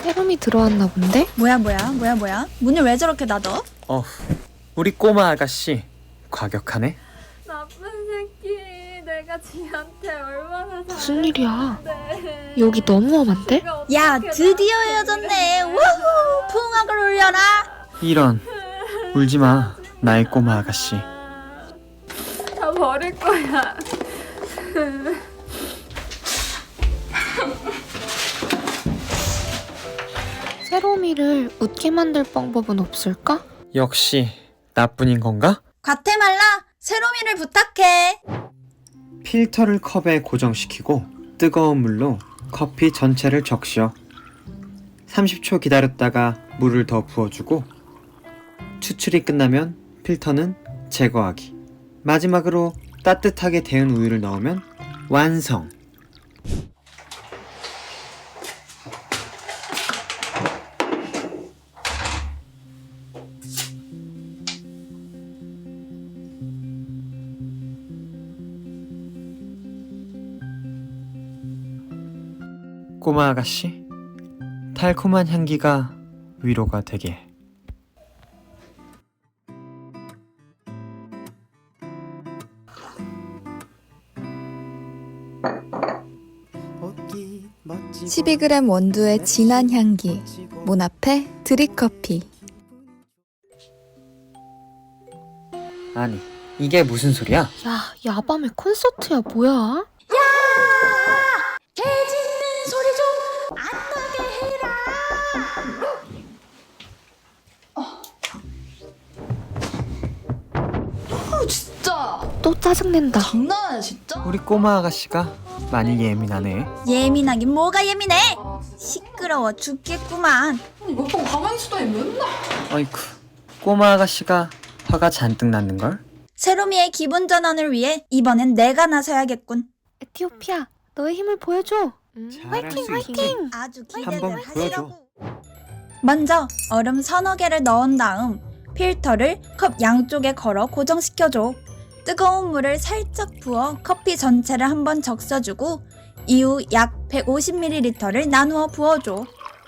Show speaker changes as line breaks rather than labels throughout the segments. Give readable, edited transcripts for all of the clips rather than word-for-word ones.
세롬이 들어왔나 본데?
뭐야? 문을 왜 저렇게 닫어?
우리 꼬마 아가씨 과격하네.
나쁜 새끼. 내가 지한테 얼마나
무슨 일이야?
잘했는데.
여기 너무 험한데?
야, 드디어 헤어졌네. 우후! 풍악을 울려라.
이런, 울지마 나의 꼬마 아가씨.
다 버릴 거야.
세롬이를 웃게 만들 방법은 없을까?
역시 나뿐인 건가?
과테말라, 세롬이를 부탁해.
필터를 컵에 고정시키고 뜨거운 물로 커피 전체를 적셔. 30초 기다렸다가 물을 더 부어주고 추출이 끝나면 필터는 제거하기. 마지막으로 따뜻하게 데운 우유를 넣으면 완성! 꼬마 아가씨, 달콤한 향기가 위로가 되게.
음. 12g 원두의 진한 향기, 몬앞에 드립커피.
아니, 이게 무슨 소리야?
야, 야밤에 콘서트야 뭐야?
개 짖는 소리 좀 안 나게 해라.
진짜
또 짜증낸다.
장난이야 진짜?
우리 꼬마 아가씨가 많이 예민하네.
예민하긴 뭐가 예민해? 시끄러워 죽겠구만.
몇 번 가만히 있어도 맨날.
어이쿠, 꼬마 아가씨가 화가 잔뜩 났는걸?
세롬이의 기분 전환을 위해 이번엔 내가 나서야겠군.
에티오피아, 너의 힘을 보여줘.
잘할
화이팅,
수 있지.
화이팅!
아주
한번
기대를
보여줘.
하시라고. 먼저 얼음 서너 개를 넣은 다음 필터를 컵 양쪽에 걸어 고정시켜줘. 뜨거운 물을 살짝 부어 커피 전체를 한번 적셔주고 이후 약 150ml를 나누어 부어줘.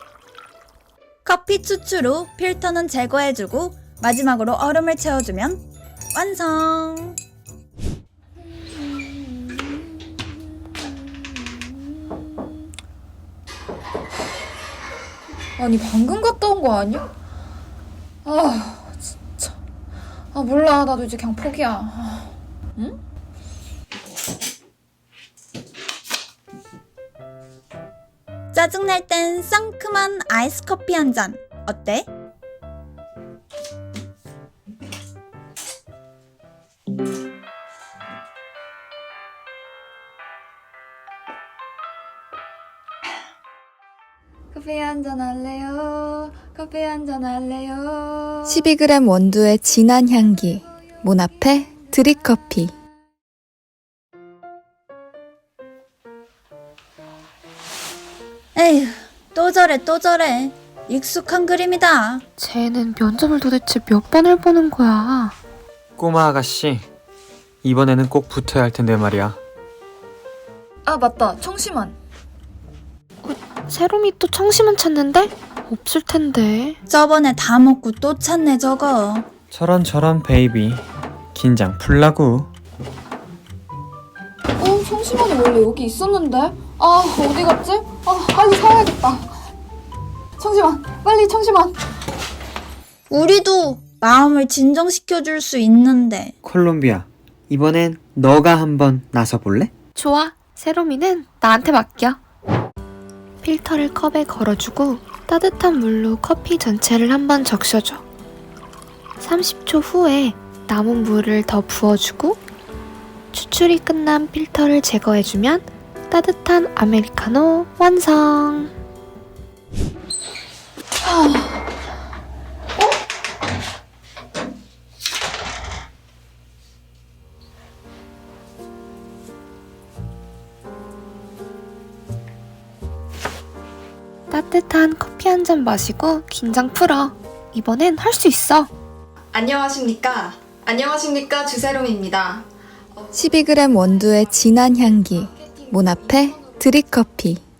커피 추출 후 필터는 제거해주고 마지막으로 얼음을 채워주면 완성!
아니 방금 갔다 온 거 아니야? 아 진짜. 아 몰라 나도 이제 그냥 포기야. 응?
짜증날 땐 상큼한 아이스 커피 한 잔 어때?
커피 한잔 할래요? 커피 한잔 할래요?
12g 원두의 진한 향기, 몬앞에 드립커피.
에휴, 또 저래. 익숙한 그림이다.
쟤는 면접을 도대체 몇 번을 보는 거야?
꼬마 아가씨, 이번에는 꼭 붙어야 할 텐데 말이야.
아 맞다 청심환.
세롬이 또 청심환 찾는데? 없을 텐데.
저번에 다 먹고 또 찾네 저거.
저런 베이비, 긴장 풀라고.
청심환이 원래 여기 있었는데. 아 어디 갔지? 아 빨리 사야겠다. 청심환 빨리 청심환.
우리도 마음을 진정시켜줄 수 있는데.
콜롬비아, 이번엔 너가 한번 나서볼래?
좋아, 세롬이는 나한테 맡겨. 필터를 컵에 걸어주고 따뜻한 물로 커피 전체를 한번 적셔줘. 30초 후에 남은 물을 더 부어주고 추출이 끝난 필터를 제거해주면 따뜻한 아메리카노 완성! 따뜻한 커피 한 잔 마시고 긴장 풀어. 이번엔 할 수 있어.
안녕하십니까 주세롬입니다.
12g 원두의 진한 향기, 몬앞에 드립커피.